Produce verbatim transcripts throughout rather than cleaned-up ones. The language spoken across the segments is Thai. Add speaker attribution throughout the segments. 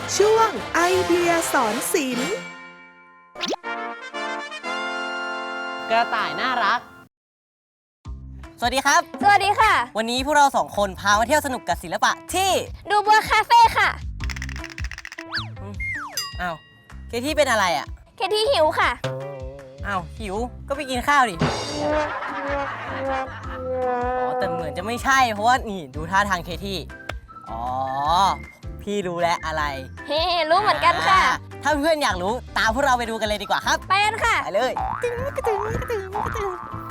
Speaker 1: ช่วงไอเดียสอนศิลป์
Speaker 2: กระต่ายน่ารักสวัสดีครับ
Speaker 3: สวัสดีค่ะ
Speaker 2: วันนี้พวกเราสองคนพามาเที่ยวสนุกกับศิลปะที่
Speaker 3: ดูบัวคาเฟ่ค่ะ
Speaker 2: อ้าวเคที่เป็นอะไรอ่ะ
Speaker 3: เคที่หิวค่ะ
Speaker 2: อ้าวหิวก็ไปกินข้าวดิอ๋อแต่เหมือนจะไม่ใช่เพราะว่านี่ดูท่าทางเคที่อ๋อพี่รู้แล้วอะไร
Speaker 3: เฮ้รู้เหมือนกันค่ะ
Speaker 2: ถ้าเพื่อนอยากรู้ตามพวกเราไปดูกันเลยดีกว่าครับ
Speaker 3: ไปกันค่ะ
Speaker 2: ไปเลยตึ้งกระตึ้งกระตึ้งกระตึ้ง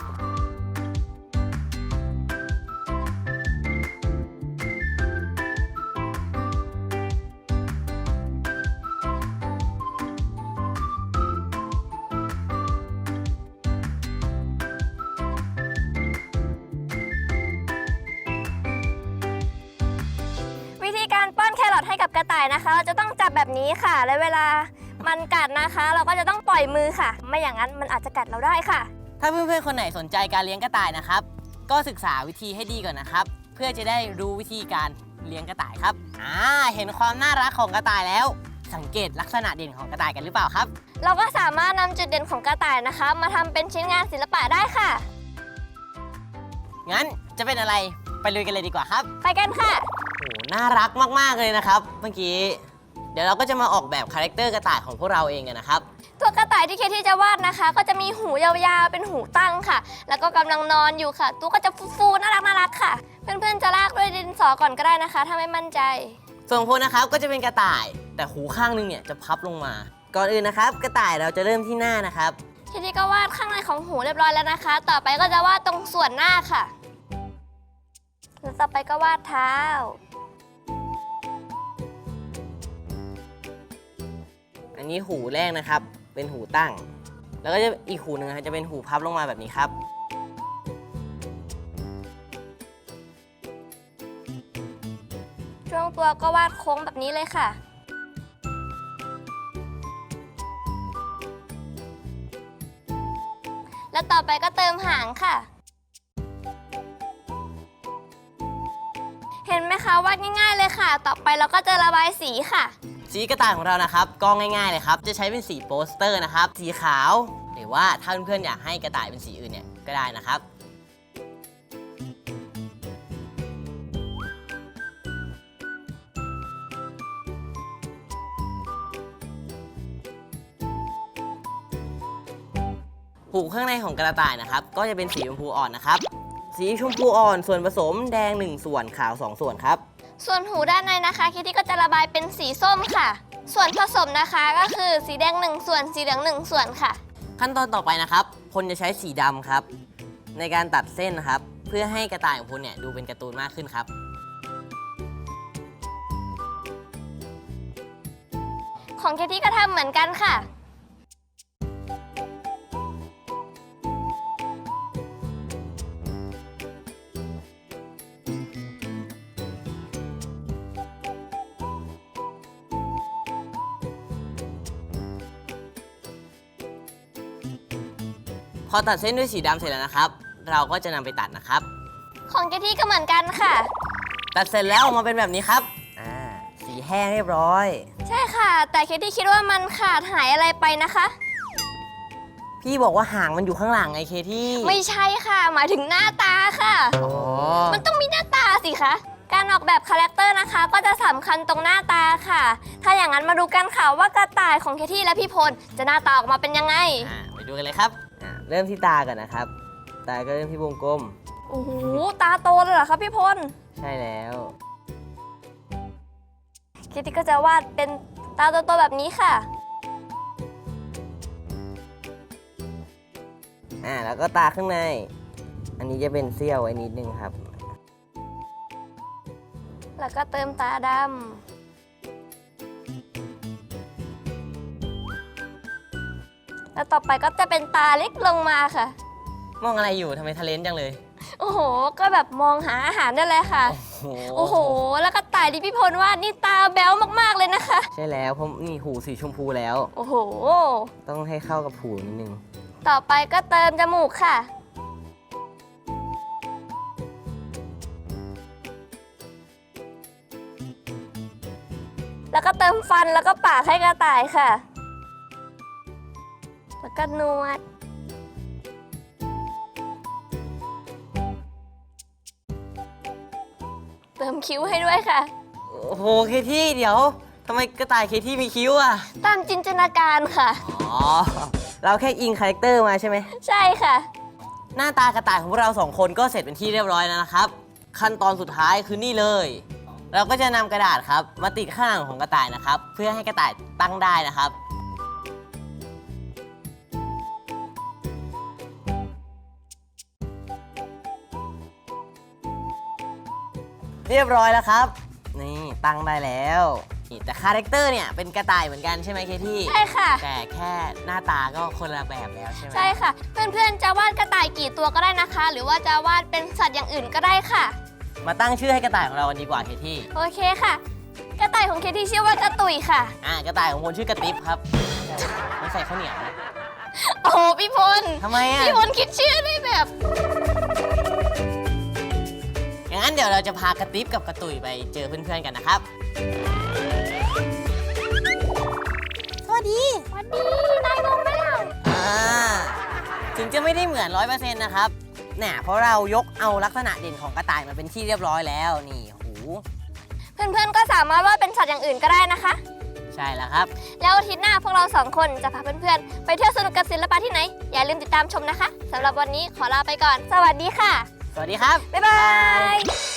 Speaker 3: วิธีการป้อนแครอทให้กับกระต่ายนะคะเราจะต้องจับแบบนี้ค่ะและเวลามันกัดนะคะ เราก็จะต้องปล่อยมือค่ะไม่อย่างนั้นมันอาจจะกัดเราได้ค่ะ
Speaker 2: ถ้าเพื่อนๆคนไหนสนใจการเลี้ยงกระต่ายนะครับก็ศึกษาวิธีให้ดีก่อนนะครับเพื่อจะได้รู้วิธีการเลี้ยงกระต่ายครับอ่าเห็นความน่ารักของกระต่ายแล้วสังเกตลักษณะเด่นของกระต่ายกันหรือเปล่าครับ
Speaker 3: เราก็สามารถนำจุดเด่นของกระต่ายนะคะมาทำเป็นชิ้นงานศิลปะได้ค่ะ
Speaker 2: งั้นจะเป็นอะไรไปลุยกันเลยดีกว่าครับ
Speaker 3: ไปกันค่ะ
Speaker 2: โอ้น่ารักมากๆเลยนะครับเมื่อกี้เดี๋ยวเราก็จะมาออกแบบคาแรคเตอร์กระต่ายของพวกเราเองกันนะครับ
Speaker 3: ตัวกระต่ายที่เคที่จะวาดนะคะก็จะมีหูยาวๆเป็นหูตั้งค่ะแล้วก็กำลังนอนอยู่ค่ะตัวก็จะฟูๆน่ารักน่ารักค่ะเพื่อนๆจะลากด้วยดินสอก่อนก็ได้นะคะถ้าไม่มั่นใจ
Speaker 2: ส่วนพลนะครับก็จะเป็นกระต่ายแต่หูข้างนึงเนี่ยจะพับลงมาก่อนอื่นนะครับกระต่ายเราจะเริ่มที่หน้านะครับ
Speaker 3: เคที่ก็วาดข้างในของหูเรียบร้อยแล้วนะคะต่อไปก็จะวาดตรงส่วนหน้าค่ะแล้วต่อไปก็วาดเท้า
Speaker 2: อันนี้หูแรกนะครับเป็นหูตั้งแล้วก็จะอีกหูหนึ่งจะเป็นหูพับลงมาแบบนี้ครับ
Speaker 3: ช่วงตัวก็วาดโค้งแบบนี้เลยค่ะแล้วต่อไปก็เติมหางค่ะเห็นไหมคะวาดง่ายๆเลยค่ะต่อไปเราก็จะระบายสีค่ะ
Speaker 2: สีกระต่ายของเรานะครับก็ง่ายๆเลยครับจะใช้เป็นสีโปสเตอร์นะครับสีขาวหรือว่าถ้าเพื่อนๆอยากให้กระต่ายเป็นสีอื่นเนี่ยก็ได้นะครับหูข้างในของกระต่ายนะครับก็จะเป็นสีชมพูอ่อนนะครับสีชมพูอ่อนส่วนผสมแดงหนึ่งส่วนขาวสองส่วนครับ
Speaker 3: ส่วนหูด้านในนะคะคิตตี้ก็จะระบายเป็นสีส้มค่ะส่วนผสมนะคะก็คือสีแดงหนึ่งส่วนสีเหลืองหนึ่งส่วนค่ะ
Speaker 2: ขั้นตอนต่อไปนะครับพลจะใช้สีดำครับในการตัดเส้นนะครับเพื่อให้กระต่ายของพลเนี่ยดูเป็นการ์ตูนมากขึ้นครับ
Speaker 3: ของเคที่ก็ทำเหมือนกันค่ะ
Speaker 2: พอตัดเส้นด้วยสีดำเสร็จแล้วนะครับเราก็จะนำไปตัดนะครับ
Speaker 3: ของเคที่ก็เหมือนกันค่ะ
Speaker 2: ตัดเสร็จแล้วออกมาเป็นแบบนี้ครับอ่าสีแห้งเรียบร้อย
Speaker 3: ใช่ค่ะแต่เคที่คิดว่ามันขาดหายอะไรไปนะคะ
Speaker 2: พี่บอกว่าหางมันอยู่ข้างหลังไงเคที่
Speaker 3: ไม่ใช่ค่ะหมายถึงหน้าตาค่ะ
Speaker 2: อ๋อ
Speaker 3: มันต้องมีหน้าตาสิคะการออกแบบคาแรคเตอร์นะคะก็จะสำคัญตรงหน้าตาค่ะถ้าอย่างนั้นมาดูกันค่ะว่ากระต่ายของเคที่และพี่พลจะหน้าตาออกมาเป็นยังไง
Speaker 2: อ่าไปดูกันเลยครับเริ่มที่ตาก่อนนะครับตาก็เริ่มที่วงกลม
Speaker 3: โอ้โหตาโตเลยเหรอครับพี่พล
Speaker 2: ใช่แล้ว
Speaker 3: คิตตี้ก็จะวาดเป็นตาโตๆแบบนี้ค่ะ
Speaker 2: อ่าแล้วก็ตาข้างในอันนี้จะเป็นเสี้ยวไว้นิดนึงครับ
Speaker 3: แล้วก็เติมตาดำแล้วต่อไปก็จะเป็นตาเล็กลงมาค่ะ
Speaker 2: มองอะไรอยู่ทำไมทะเลนจังเลย
Speaker 3: โอ้โหก็แบบมองหาอาหารได้เลยค่ะโอ้โหแล้วก็ตายดิพี่พลว่านี่ตาแบ๊วมากๆเลยนะคะ
Speaker 2: ใช่แล้วเพราะนี่หูสีชมพูแล้ว
Speaker 3: โอ้โห
Speaker 2: ต้องให้เข้ากับหูนิดนึง
Speaker 3: ต่อไปก็เติมจมูกค่ะ แแล้วก็เติมฟันแล้วก็ปากให้กระต่ายค่ะ แล้วก็นวด เติมคิ้วให้ด้วยค่ะ
Speaker 2: โอ้โหเคที่เดี๋ยวทำไมกระต่ายเคที่มีคิ้วอ่ะ
Speaker 3: ตามจินตนาการค่ะ
Speaker 2: อ๋อ เราแค่อิงคาแรคเตอร์มาใช่ไหม
Speaker 3: ใช่ค่ะ
Speaker 2: หน้าตากระต่ายของพวกเราสองคนก็เสร็จเป็นที่เรียบร้อยแล้วนะครับ ขั้นตอนสุดท้ายคือนี่เลย เราก็จะนำกระดาษครับมาติดข้างหลังของกระต่ายนะครับ เพื่อให้กระต่ายตั้งได้นะครับ เรียบร้อยแล้วครับ นี่ตั้งได้แล้วนี่แต่คาแรคเตอร์เนี่ยเป็นกระต่ายเหมือนกันใช่ไหมเคที่
Speaker 3: ใช่ค่ะ
Speaker 2: แต่แค่หน้าตาก็คนละแบบแล้วใช่ไหม
Speaker 3: ใช่ค่ะ เพื่อนๆจะวาดกระต่ายกี่ตัวก็ได้นะคะ หรือว่าจะวาดเป็นสัตว์อย่างอื่นก็ได้ค่ะ
Speaker 2: มาตั้งชื่อให้กระต่ายของเรากันดีกว่าเคที่
Speaker 3: โอเคค่ะ กระต่ายของเคที่ชื่อว่ากระตุยค่ะ
Speaker 2: อ่ากระต่ายของคนชื่อกระติบครับไม่ใส่ข้าวเหนียวนะ
Speaker 3: โอ้โหพี่พล
Speaker 2: ทำไมอ่ะ
Speaker 3: พี่พลคิดชื่อได้แบบ
Speaker 2: อย่างนั้นเดี๋ยวเราจะพากระติบกับกระตุยไปเจอเพื่อนๆกันนะครับ สวัสดี
Speaker 3: สวัสดีนายงงไหมล่ะ
Speaker 2: อ่าถึงจะไม่ได้เหมือนร้อยเปอร์เซ็นต์นะครับเนี่ยเพราะเรายกเอาลักษณะเด่นของกระต่ายมาเป็นที่เรียบร้อยแล้วนี่หู
Speaker 3: เพื่อนๆก็สามารถวาดเป็นสัตว์อย่างอื่นก็ได้นะคะ
Speaker 2: ใช่แล้วครับ
Speaker 3: แล้วอาทิตย์หน้าพวกเราสองคนจะพาเพื่อนๆไปเที่ยวสนุกกับศิลปะที่ไหน อย่าลืมติดตามชมนะคะสำหรับวันนี้ขอลาไปก่อน สวัสดีค่ะ
Speaker 2: สวัสดีครับ
Speaker 3: บ๊ายบาย